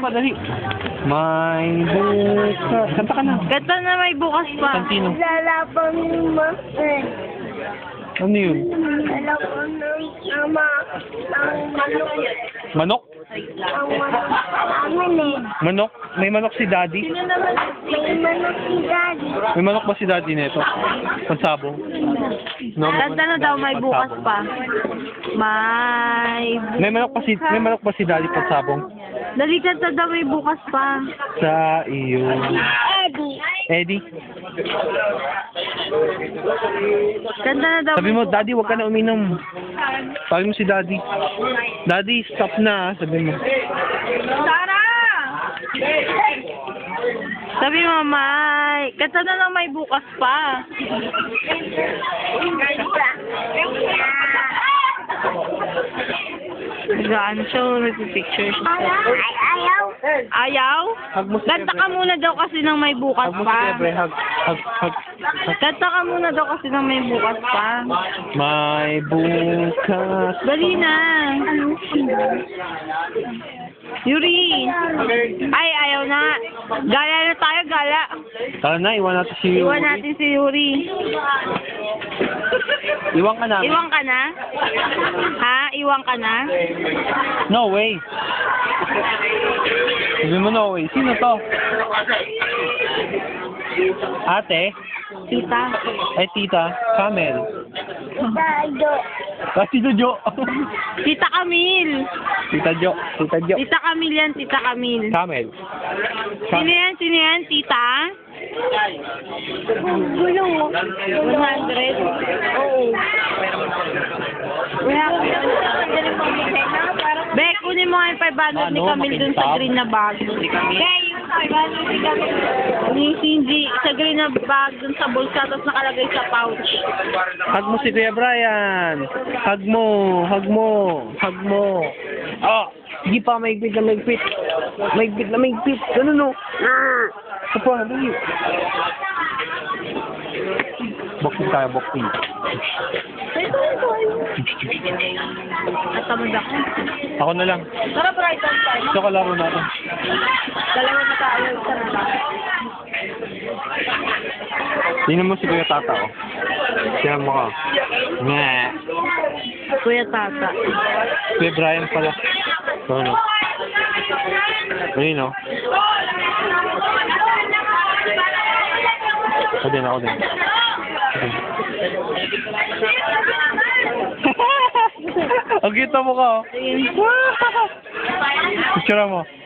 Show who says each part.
Speaker 1: pa, dali. May bukas. Kanta ka na.
Speaker 2: Kanta na may bukas pa.
Speaker 1: Santino.
Speaker 3: Lalabang mo.
Speaker 1: Ano yun?
Speaker 3: Lalabang ng ama. Ang manok.
Speaker 1: Manok?
Speaker 3: Ang manok.
Speaker 1: Manok? May manok si Daddy?
Speaker 3: May manok si Daddy.
Speaker 1: May manok ba si Daddy nito? Pansabong? No,
Speaker 2: Kanta na daw may bukas pa.
Speaker 1: May manok pa si Daddy pansabong?
Speaker 2: Dali, kanta daw may bukas pa.
Speaker 1: Sa iyo.
Speaker 3: Eddie.
Speaker 1: Eddie?
Speaker 2: Kanta na daw.
Speaker 1: Sabi mo, Daddy, huwag ka na uminom. Sabi mo si Daddy. Daddy, stop na, sabi mo.
Speaker 2: Sara! Sabi mo, may. Kanta na lang may bukas pa. Nag-ano siya, nag-picture siya.
Speaker 3: Ayaw.
Speaker 2: Ayaw?
Speaker 1: Hug mo si
Speaker 2: Kanta ka muna daw kasi nang may bukas
Speaker 1: Hug mo si
Speaker 2: pa.
Speaker 1: Ebre, hug.
Speaker 2: Kanta ka muna daw kasi nang may bukas pa.
Speaker 1: May bukas.
Speaker 2: Dali na. Yuri. Ay, ayaw na. Gala na tayo, gala.
Speaker 1: Tara na, iwan natin si Yuri.
Speaker 2: Iwan natin si Yuri.
Speaker 1: Iwan ka namin.
Speaker 2: Iwan ka na? Ha? Iwan ka na?
Speaker 1: No way. Sabi mo no way. Sino to? Ate?
Speaker 2: Tita.
Speaker 1: Ay, tita. Camel.
Speaker 3: Dado.
Speaker 1: Kasi to Jo.
Speaker 2: Tita Camille.
Speaker 1: Tita Jo. Tita Jo.
Speaker 2: Tita Camille yan, Tita Camille.
Speaker 1: Camel.
Speaker 2: Sino yan? Sino yan? Tita?
Speaker 3: Gulo.
Speaker 2: 100? Oo. Be, kunin mo nga yung 500 ni
Speaker 1: Ano,
Speaker 2: Camille dun sa
Speaker 1: makintab?
Speaker 2: green na bag. Be, yung 500 ni Camille. Ni Cindy, sa green na bag dun sa bulsa, tapos nakalagay sa pouch.
Speaker 1: Hug mo si Kuya Brian. Hug mo. Hug mo. Hug mo. Oh, sige pa, maigpit na maigpit. Maigpit na maigpit. Ganun no. Ito pa, dali. Boxing tayo, boxing.
Speaker 2: At tamad ako.
Speaker 1: Ako na lang.
Speaker 2: Tara, Brighton tayo.
Speaker 1: Ito kalaro natin.
Speaker 2: Dalawa na tayo. Isa na lang.
Speaker 1: Tingnan mo si Kuya Tata, oh. Tingnan mo ka. Nga.
Speaker 2: Kuya Tata.
Speaker 1: Kuya Brian pala. So, ano? Ayun, no? Ako din, ako din. Ang kita mo ka, oh.
Speaker 2: Ayun.
Speaker 1: Picture mo.